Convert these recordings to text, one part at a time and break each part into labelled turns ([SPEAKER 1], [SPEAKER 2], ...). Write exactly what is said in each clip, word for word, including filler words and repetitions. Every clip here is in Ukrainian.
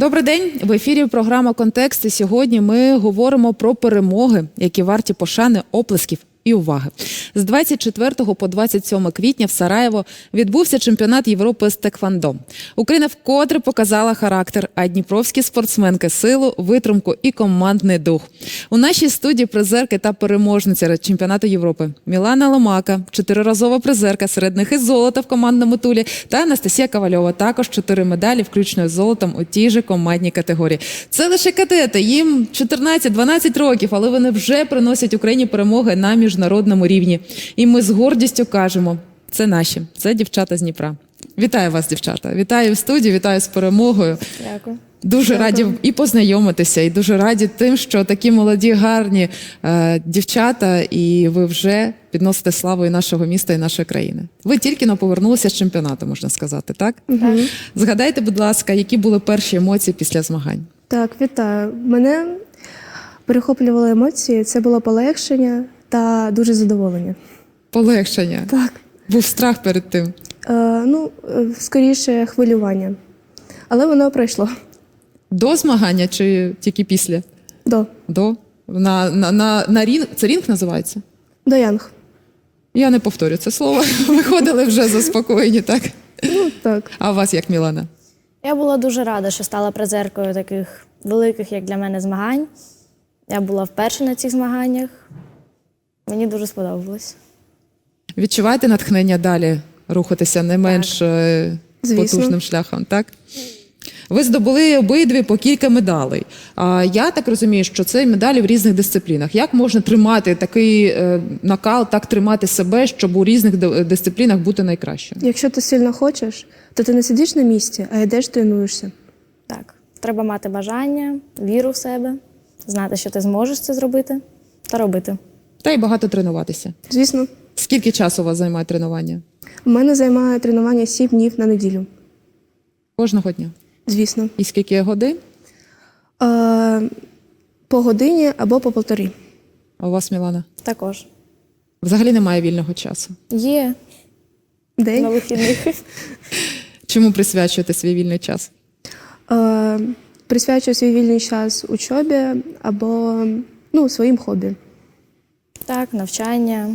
[SPEAKER 1] Добрий день! В ефірі програма «Контекст». І сьогодні ми говоримо про перемоги, які варті пошани, оплесків і уваги. З двадцять четвертого по двадцять сьоме квітня в Сараєво відбувся чемпіонат Європи з теквондо. Україна вкотре показала характер, а дніпровські спортсменки – силу, витримку і командний дух. У нашій студії призерки та переможниця чемпіонату Європи Мілана Ломака, чотириразова призерка, серед них і золото в командному тулі, та Анастасія Ковальова, також чотири медалі, включно з золотом у тій же командній категорії. Це лише кадети, їм чотирнадцять-дванадцять років, але вони вже приносять Україні перемоги на міжнародному рівні. І ми з гордістю кажемо, це наші, це дівчата з Дніпра. Вітаю вас, дівчата. Вітаю в студії, вітаю з перемогою.
[SPEAKER 2] Дякую.
[SPEAKER 1] Дуже
[SPEAKER 2] Дякую.
[SPEAKER 1] раді і познайомитися, і дуже раді тим, що такі молоді, гарні е, дівчата, і ви вже підносите славу і нашого міста, і нашої країни. Ви тільки но повернулися з чемпіонату, можна сказати, так?
[SPEAKER 2] Угу.
[SPEAKER 1] Згадайте, будь ласка, які були перші емоції після змагань?
[SPEAKER 2] Так, вітаю. Мене перехоплювали емоції, це було полегшення та дуже задоволення.
[SPEAKER 1] Полегшення?
[SPEAKER 2] Так.
[SPEAKER 1] Був страх перед тим?
[SPEAKER 2] Е, ну, е, скоріше хвилювання. Але воно пройшло.
[SPEAKER 1] До змагання чи тільки після?
[SPEAKER 2] До.
[SPEAKER 1] До? На, на, на, на рінг? Це рінг називається?
[SPEAKER 2] До Янг.
[SPEAKER 1] Я не повторю це слово. Виходили вже заспокоєні, так?
[SPEAKER 2] Ну, так.
[SPEAKER 1] А у вас як, Мілана?
[SPEAKER 3] Я була дуже рада, що стала призеркою таких великих, як для мене, змагань. Я була вперше на цих змаганнях. Мені дуже сподобалось.
[SPEAKER 1] Відчуваєте натхнення далі рухатися не менш е,
[SPEAKER 2] Звісно.
[SPEAKER 1] потужним шляхом, так? Ви здобули обидві по кілька медалей. А я так розумію, що це медалі в різних дисциплінах. Як можна тримати такий е, накал, так тримати себе, щоб у різних ди- дисциплінах бути найкращим?
[SPEAKER 2] Якщо ти сильно хочеш, то ти не сидиш на місці, а йдеш, тренуєшся.
[SPEAKER 3] Так, треба мати бажання, віру в себе, знати, що ти зможеш це зробити та робити.
[SPEAKER 1] Та й багато тренуватися.
[SPEAKER 2] Звісно.
[SPEAKER 1] Скільки часу у вас займає тренування?
[SPEAKER 2] У мене займає тренування сім днів на неділю.
[SPEAKER 1] Кожного дня?
[SPEAKER 2] Звісно.
[SPEAKER 1] І скільки годин?
[SPEAKER 2] Е, по годині або по полтори.
[SPEAKER 1] А у вас, Мілана?
[SPEAKER 3] Також.
[SPEAKER 1] Взагалі немає вільного часу.
[SPEAKER 3] Є
[SPEAKER 2] День.
[SPEAKER 3] на вихідних.
[SPEAKER 1] Чому присвячуєте свій вільний час?
[SPEAKER 2] Е, присвячую свій вільний час учобі або ну, своїм хобі.
[SPEAKER 3] Так, навчання.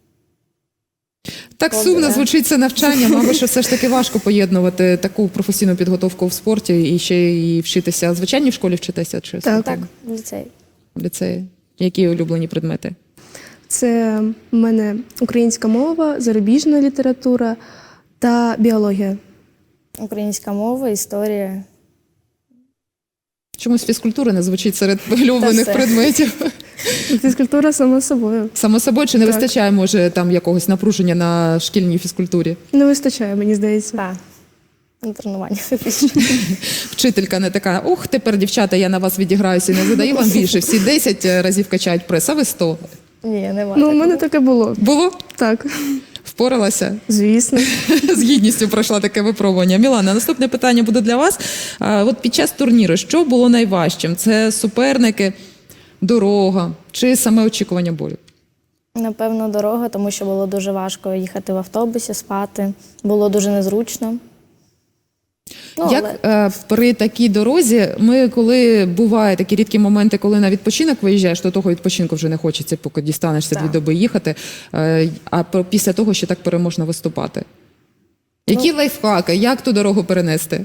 [SPEAKER 1] Так
[SPEAKER 3] Добре.
[SPEAKER 1] сумно звучить це навчання, мабуть, що все ж таки важко поєднувати таку професійну підготовку в спорті і ще і вчитися. Звичайно, в школі вчитися чи
[SPEAKER 2] Так.
[SPEAKER 3] Так, в ліцеї.
[SPEAKER 1] в ліцеї? Які улюблені предмети?
[SPEAKER 2] Це в мене українська мова, зарубіжна література та біологія.
[SPEAKER 3] Українська мова, історія.
[SPEAKER 1] Чомусь фізкультура не звучить серед улюблених
[SPEAKER 3] все.
[SPEAKER 1] предметів.
[SPEAKER 2] Фізкультура само собою.
[SPEAKER 1] Само собою, чи не
[SPEAKER 2] Так.
[SPEAKER 1] вистачає, може, там якогось напруження на шкільній фізкультурі?
[SPEAKER 2] Не вистачає, мені здається.
[SPEAKER 3] Так. На тренування.
[SPEAKER 1] Вчителька не така, ух, тепер, дівчата, я на вас відіграюся і не задаю вам більше. Всі десять разів качають прес, а ви сто.
[SPEAKER 3] Ні, немає.
[SPEAKER 2] Ну, у мене таке було.
[SPEAKER 1] Було?
[SPEAKER 2] Так,
[SPEAKER 1] Впоралася?
[SPEAKER 2] звісно.
[SPEAKER 1] З гідністю пройшла таке випробування. Мілана, наступне питання буде для вас. А, от під час турніру, що було найважчим? Це суперники, дорога чи саме очікування бою?
[SPEAKER 3] Напевно, дорога, тому що було дуже важко їхати в автобусі, спати. Було дуже незручно. Ну,
[SPEAKER 1] Як
[SPEAKER 3] але...
[SPEAKER 1] е, при такій дорозі, ми коли буває такі рідкі моменти, коли на відпочинок виїжджаєш, то того відпочинку вже не хочеться, поки дістанешся
[SPEAKER 3] Так.
[SPEAKER 1] дві доби їхати, е, а про- після того ще так переможно виступати. Які
[SPEAKER 3] Ну.
[SPEAKER 1] лайфхаки, як ту дорогу перенести?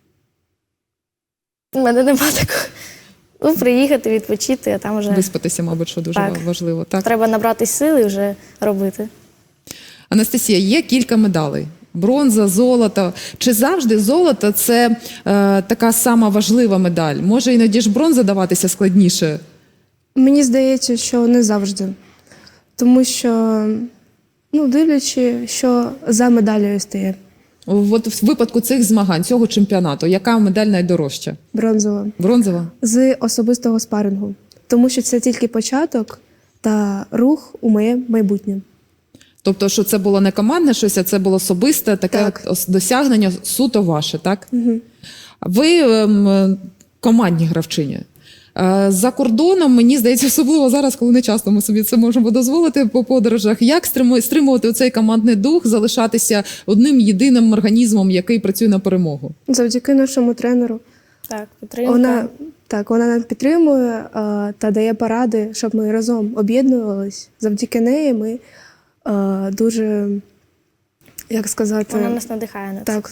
[SPEAKER 3] У мене нема такого. Ну, приїхати, відпочити, а там вже
[SPEAKER 1] Виспатися, мабуть, що дуже
[SPEAKER 3] Так.
[SPEAKER 1] важливо. Так?
[SPEAKER 3] треба набрати сили і вже робити.
[SPEAKER 1] Анастасія, є кілька медалей. Бронза, золото. Чи завжди золото – це е, така сама важлива медаль? Може, іноді ж бронза даватися складніше?
[SPEAKER 2] Мені здається, що не завжди. Тому що, ну, дивлячи, що за медаллю стає.
[SPEAKER 1] От в випадку цих змагань, цього чемпіонату, яка медаль найдорожча?
[SPEAKER 2] Бронзова.
[SPEAKER 1] Бронзова?
[SPEAKER 2] З особистого спарингу. Тому що це тільки початок та рух у моє майбутнє.
[SPEAKER 1] Тобто, що це було не командне щось, а це було особисте таке
[SPEAKER 2] Так.
[SPEAKER 1] ос- досягнення суто ваше, так?
[SPEAKER 2] Угу.
[SPEAKER 1] Ви ем, командні гравчині. Е, За кордоном, мені здається, особливо зараз, коли не часто ми собі це можемо дозволити по подорожах, як стриму- стримувати цей командний дух, залишатися одним єдиним організмом, який працює на перемогу?
[SPEAKER 2] Завдяки нашому тренеру
[SPEAKER 3] Так, підтримка.
[SPEAKER 2] Вона, так, вона нас підтримує е, та дає поради, щоб ми разом об'єднувались. Завдяки неї ми е, дуже, як сказати,
[SPEAKER 3] Вона нас надихає на це
[SPEAKER 2] так.
[SPEAKER 3] все.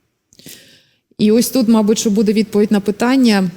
[SPEAKER 1] І ось тут, мабуть, що буде відповідь на питання.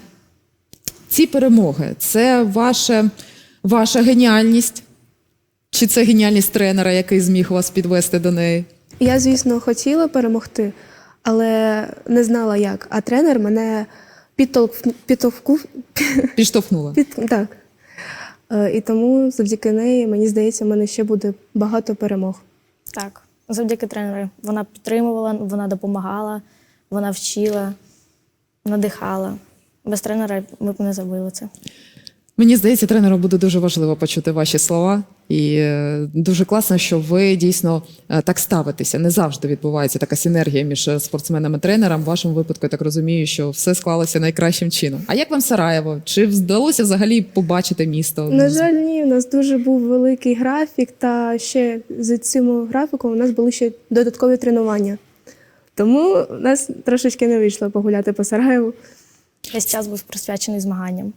[SPEAKER 1] Ці перемоги – це ваше, ваша геніальність? Чи це геніальність тренера, який зміг вас підвести до неї?
[SPEAKER 2] Я, звісно, хотіла перемогти, але не знала як. А тренер мене підтолк... підтовкнув.
[SPEAKER 1] Підштовхнула?
[SPEAKER 2] Під... Так. Е, І тому завдяки неї, мені здається, в мене ще буде багато перемог.
[SPEAKER 3] Так, завдяки тренеру. Вона підтримувала, вона допомагала, вона вчила, надихала. Без тренера ми б не забили це.
[SPEAKER 1] Мені здається, тренеру буде дуже важливо почути ваші слова. І е, дуже класно, що ви дійсно е, так ставитеся. Не завжди відбувається така синергія між е, спортсменами і тренером. В вашому випадку, я так розумію, що все склалося найкращим чином. А як вам Сараєво? Чи вдалося взагалі побачити місто?
[SPEAKER 2] На жаль, ні, у нас дуже був великий графік, та ще з цим графіком у нас були ще додаткові тренування. Тому у нас трошечки не вийшло погуляти по Сараєву.
[SPEAKER 3] Весь час був присвячений змаганням.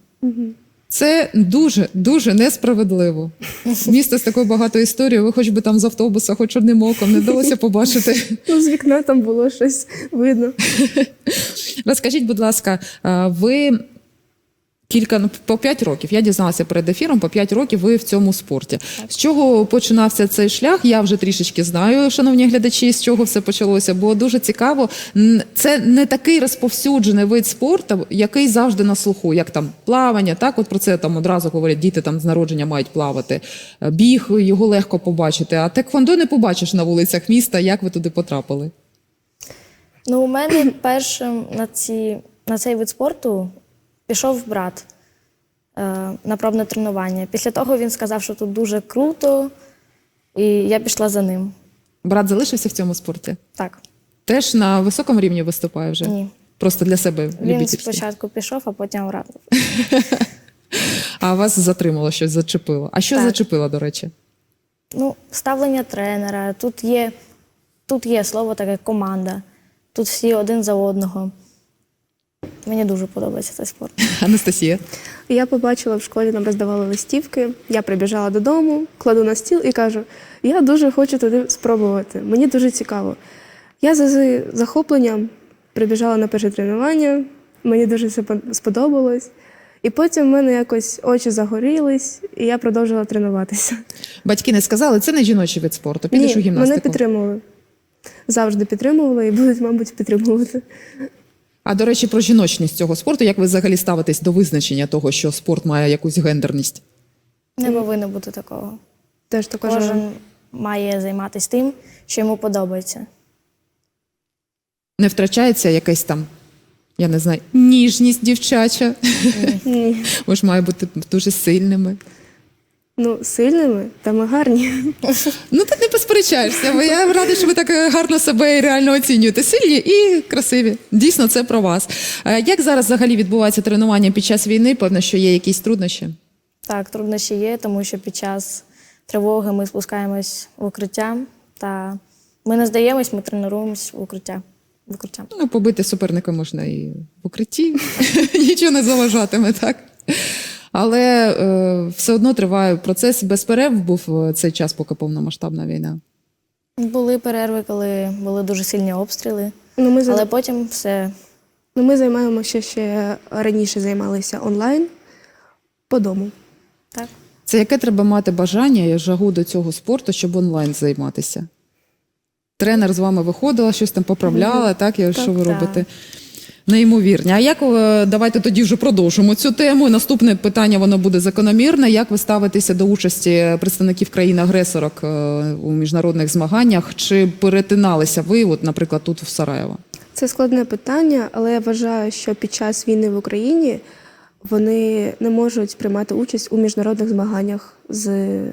[SPEAKER 1] Це дуже, дуже несправедливо. Місто з такою багатою історією, ви хоч би там з автобуса, хоч одним оком не вдалося побачити.
[SPEAKER 2] Ну, з вікна там було щось видно.
[SPEAKER 1] Розкажіть, будь ласка, а, ви кілька, ну, по п'ять років, я дізналася перед ефіром, по п'ять років ви в цьому спорті. З чого починався цей шлях? Я вже трішечки знаю, шановні глядачі, з чого все почалося, бо дуже цікаво. Н- Це не такий розповсюджений вид спорту, який завжди на слуху, як там плавання, так, от про це там одразу говорять, діти там з народження мають плавати. Біг, його легко побачити, а теквондо не побачиш на вулицях міста. Як ви туди потрапили?
[SPEAKER 3] Ну, у мене першим на, ці, на цей вид спорту пішов брат е, на пробне тренування. Після того він сказав, що тут дуже круто, і я пішла за ним.
[SPEAKER 1] Брат залишився в цьому спорті?
[SPEAKER 3] Так,
[SPEAKER 1] Теж на високому рівні виступає вже?
[SPEAKER 3] ні.
[SPEAKER 1] Просто для себе
[SPEAKER 3] Він
[SPEAKER 1] любительськи?
[SPEAKER 3] спочатку пішов, а потім радив.
[SPEAKER 1] А вас затримало, щось зачепило. А що
[SPEAKER 3] Так.
[SPEAKER 1] зачепило, до речі?
[SPEAKER 3] Ну, ставлення тренера, тут є, тут є слово таке команда, тут всі один за одного. Мені дуже подобається цей спорт.
[SPEAKER 1] Анастасія?
[SPEAKER 2] Я побачила в школі, нам роздавали листівки, я прибіжала додому, кладу на стіл і кажу, я дуже хочу туди спробувати, мені дуже цікаво. Я за захопленням прибіжала на перше тренування, мені дуже це сподобалось. І потім в мене якось очі загорілись, і я продовжила тренуватися.
[SPEAKER 1] Батьки не сказали, це не жіночий вид спорту, підеш у
[SPEAKER 2] Ні,
[SPEAKER 1] гімнастику.
[SPEAKER 2] мене підтримували. Завжди підтримували і будуть, мабуть, підтримувати.
[SPEAKER 1] А, до речі, про жіночність цього спорту, як ви взагалі ставитесь до визначення того, що спорт має якусь гендерність?
[SPEAKER 3] Не повинно бути такого.
[SPEAKER 2] Теж також.
[SPEAKER 3] Кожен має займатися тим, що йому подобається.
[SPEAKER 1] Не втрачається якась там, я не знаю, ніжність дівчача?
[SPEAKER 2] Ні.
[SPEAKER 1] Ви ж має бути дуже сильними.
[SPEAKER 2] Ну, сильними, та ми гарні.
[SPEAKER 1] Ну, ти не посперечаєшся, бо я рада, що ви так гарно себе і реально оцінюєте. Сильні і красиві. Дійсно, це про вас. Е, Як зараз взагалі відбувається тренування під час війни? Певно, що є якісь труднощі?
[SPEAKER 3] Так, труднощі є, тому що під час тривоги ми спускаємось в укриття, та ми не здаємось, ми тренуємось в укриття. В укриття.
[SPEAKER 1] Ну, побити суперника можна і в укритті, нічого не заважатиме, так? Але е, все одно триває процес. Без перерв був е, цей час, поки повномасштабна війна.
[SPEAKER 3] Були перерви, коли були дуже сильні обстріли,
[SPEAKER 2] Ну, ми, за-
[SPEAKER 3] але потім все.
[SPEAKER 2] ну, ми займаємося ще раніше займалися онлайн по дому.
[SPEAKER 3] Так.
[SPEAKER 1] Це яке треба мати бажання і жагу до цього спорту, щоб онлайн займатися? Тренер з вами виходила, щось там поправляла, так? І що ви
[SPEAKER 3] так.
[SPEAKER 1] робите? Неймовірні. А як ви, давайте тоді вже продовжимо цю тему. Наступне питання, воно буде закономірне. Як ви ставитеся до участі представників країн-агресорок е, у міжнародних змаганнях? Чи перетиналися ви, от, наприклад, тут в Сараєво?
[SPEAKER 2] Це складне питання, але я вважаю, що під час війни в Україні вони не можуть приймати участь у міжнародних змаганнях з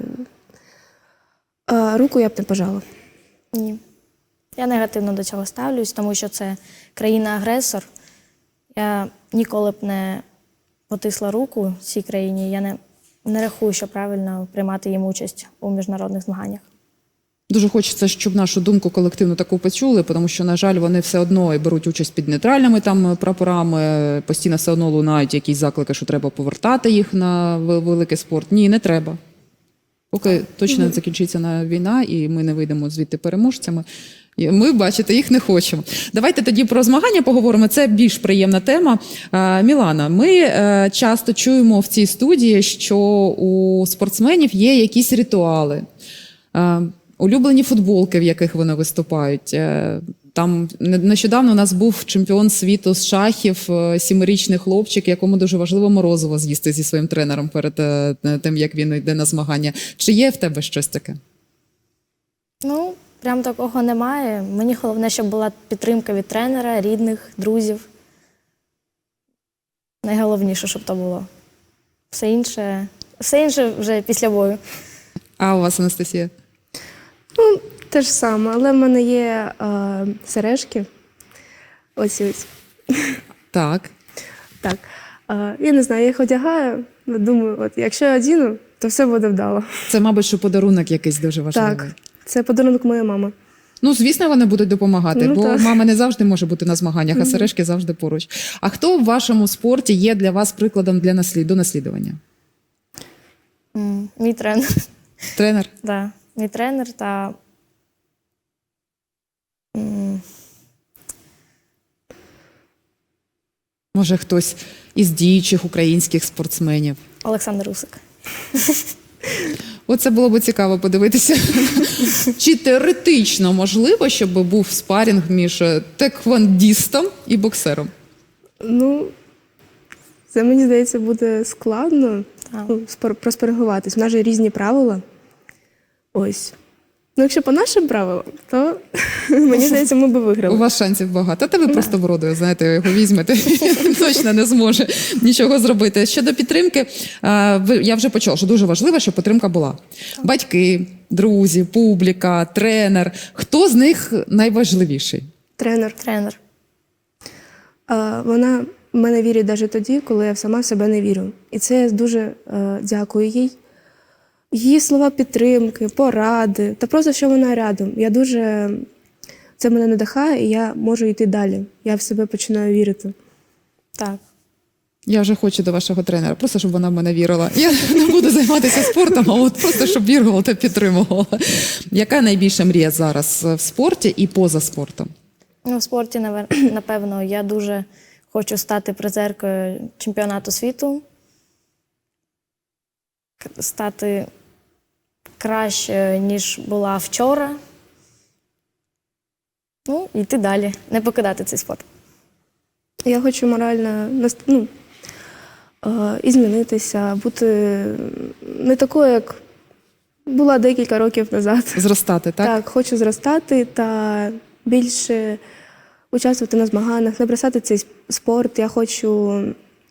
[SPEAKER 2] а, руку я б не пожала.
[SPEAKER 3] Ні. Я негативно до цього ставлюсь, тому що це країна-агресор. Я ніколи б не потисла руку цій країні. Я не, не рахую, що правильно приймати їм участь у міжнародних змаганнях.
[SPEAKER 1] Дуже хочеться, щоб нашу думку колективну таку почули, тому що, на жаль, вони все одно і беруть участь під нейтральними там прапорами, постійно все одно лунають якісь заклики, що треба повертати їх на ве- великий спорт. Ні, не треба. Поки точно не закінчиться на війна і ми не вийдемо звідти переможцями, і ми, бачите, їх не хочемо. Давайте тоді про змагання поговоримо. Це більш приємна тема. А, Мілана, ми е, часто чуємо в цій студії, що у спортсменів є якісь ритуали. Е, Улюблені футболки, в яких вони виступають. Е, Там не- нещодавно у нас був чемпіон світу з шахів, е, сімирічний хлопчик, якому дуже важливо морозиво з'їсти зі своїм тренером перед е, тим, як він йде на змагання. Чи є в тебе щось таке?
[SPEAKER 3] Ну, прям такого немає. Мені головне, щоб була підтримка від тренера, рідних, друзів. Найголовніше, щоб то було. Все інше, все інше вже після бою.
[SPEAKER 1] А у вас, Анастасія?
[SPEAKER 2] Ну, те ж саме, але в мене є е, сережки. Ось ось.
[SPEAKER 1] Так.
[SPEAKER 2] Так. Е, я не знаю, я їх одягаю. ну, Думаю, от якщо я одіну, то все буде вдало.
[SPEAKER 1] Це, мабуть, що подарунок якийсь дуже важливий.
[SPEAKER 2] Так, це подарунок моєї мами.
[SPEAKER 1] Ну, звісно, вони будуть допомагати,
[SPEAKER 2] Ну,
[SPEAKER 1] бо
[SPEAKER 2] так.
[SPEAKER 1] мама не завжди може бути на змаганнях, а сережки завжди поруч. А хто в вашому спорті є для вас прикладом для наслід... до наслідування?
[SPEAKER 3] М, Мій тренер.
[SPEAKER 1] Тренер?
[SPEAKER 3] Да. Мій тренер та м,
[SPEAKER 1] Може, хтось із діючих українських спортсменів?
[SPEAKER 3] Олександр Усик.
[SPEAKER 1] Оце було б цікаво подивитися. Чи теоретично можливо, щоб був спарінг між теквондістом і боксером?
[SPEAKER 2] Ну, це, мені здається, буде складно
[SPEAKER 3] Так.
[SPEAKER 2] ну, спор- проспоригуватись. У нас же різні правила. Ось. Ну, якщо по нашим правилам, то мені здається, ми би
[SPEAKER 1] У
[SPEAKER 2] виграли.
[SPEAKER 1] вас шансів багато. Та ви просто вродою, знаєте, його візьмете, він точно не зможе нічого зробити. Щодо підтримки, а, ви- я вже почула, що дуже важливо, щоб підтримка була. Батьки, друзі, публіка, тренер. Хто з них найважливіший?
[SPEAKER 2] Тренер.
[SPEAKER 3] Тренер.
[SPEAKER 2] А, вона в мене вірить навіть тоді, коли я сама в себе не вірю. І це я дуже е, дякую їй. Її слова підтримки, поради, та просто, що вона рядом. Я дуже... Це мене надихає, і я можу йти далі. Я в себе починаю вірити.
[SPEAKER 3] Так.
[SPEAKER 1] Я вже хочу до вашого тренера, просто щоб вона в мене вірила. Я не буду займатися спортом, а от просто щоб вірила та підтримувала. Яка найбільша мрія зараз в спорті і поза спортом?
[SPEAKER 3] Ну, в спорті, навер- напевно, я дуже хочу стати призеркою чемпіонату світу, К- стати кращою, ніж була вчора. Ну, і йти далі, не покидати цей спорт.
[SPEAKER 2] Я хочу морально наст- ну, е, і змінитися, бути не такою, як була декілька років назад.
[SPEAKER 1] Зростати, так?
[SPEAKER 2] Так, хочу зростати та більше участвувати на змаганнях, не бросати цей с- спорт. Я хочу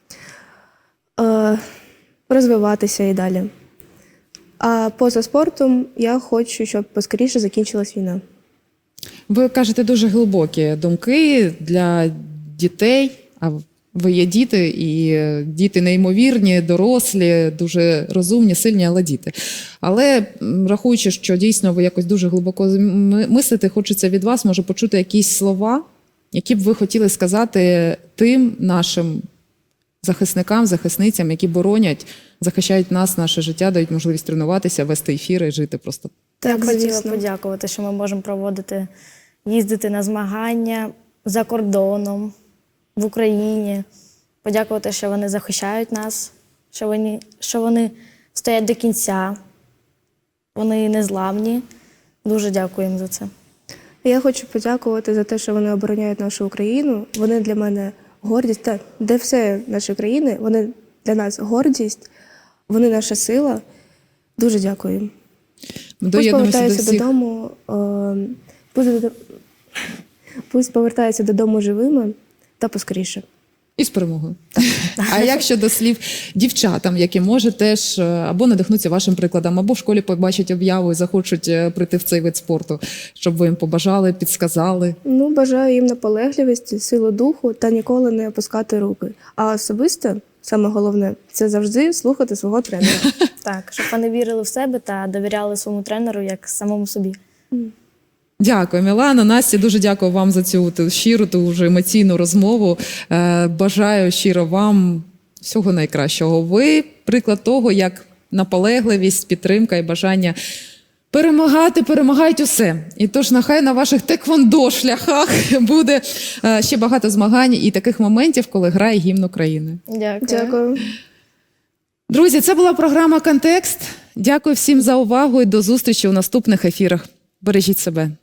[SPEAKER 2] е, розвиватися і далі. А поза спортом я хочу, щоб поскоріше закінчилась війна.
[SPEAKER 1] Ви кажете дуже глибокі думки для дітей, а ви є діти, і діти неймовірні, дорослі, дуже розумні, сильні, але діти. Але м, рахуючи, що дійсно ви якось дуже глибоко м- мислите, хочеться від вас, може, почути якісь слова, які б ви хотіли сказати тим нашим захисникам, захисницям, які боронять, захищають нас, наше життя, дають можливість тренуватися, вести ефіри, жити просто.
[SPEAKER 3] Я
[SPEAKER 2] Так,
[SPEAKER 3] б хотіла
[SPEAKER 2] звісно.
[SPEAKER 3] подякувати, що ми можемо проводити, їздити на змагання за кордоном, в Україні. Подякувати, що вони захищають нас, що вони, що вони стоять до кінця, вони незламні. Дуже дякую їм за це.
[SPEAKER 2] Я хочу подякувати за те, що вони обороняють нашу Україну. Вони для мене гордість, та де все наші країни, вони для нас гордість, вони наша сила. Дуже дякую їм. Пусть
[SPEAKER 1] Доєднуємося до
[SPEAKER 2] повертаються
[SPEAKER 1] всіх.
[SPEAKER 2] додому, е, пусть, додо- пусть повертаються додому живими та поскоріше.
[SPEAKER 1] І з перемогою. А як щодо слів дівчатам, які може теж е, або надихнуться вашим прикладом, або в школі побачать об'яву і захочуть е, прийти в цей вид спорту, щоб ви їм побажали, підсказали?
[SPEAKER 2] Ну, бажаю їм наполегливості, силу духу та ніколи не опускати руки. А особисто, саме головне, це завжди слухати свого тренера.
[SPEAKER 3] Так, щоб вони вірили в себе та довіряли своєму тренеру як самому собі.
[SPEAKER 1] Дякую, Мілана. Насті, дуже дякую вам за цю ту щиру, ту вже емоційну розмову. Е, Бажаю щиро вам всього найкращого. Ви приклад того, як наполегливість, підтримка і бажання перемагати, перемагають усе. І тож нехай на ваших теквондо шляхах буде е, ще багато змагань і таких моментів, коли грає гімн України.
[SPEAKER 3] Дякую.
[SPEAKER 2] Дякую.
[SPEAKER 1] Друзі, це була програма «Контекст». Дякую всім за увагу і до зустрічі у наступних ефірах. Бережіть себе.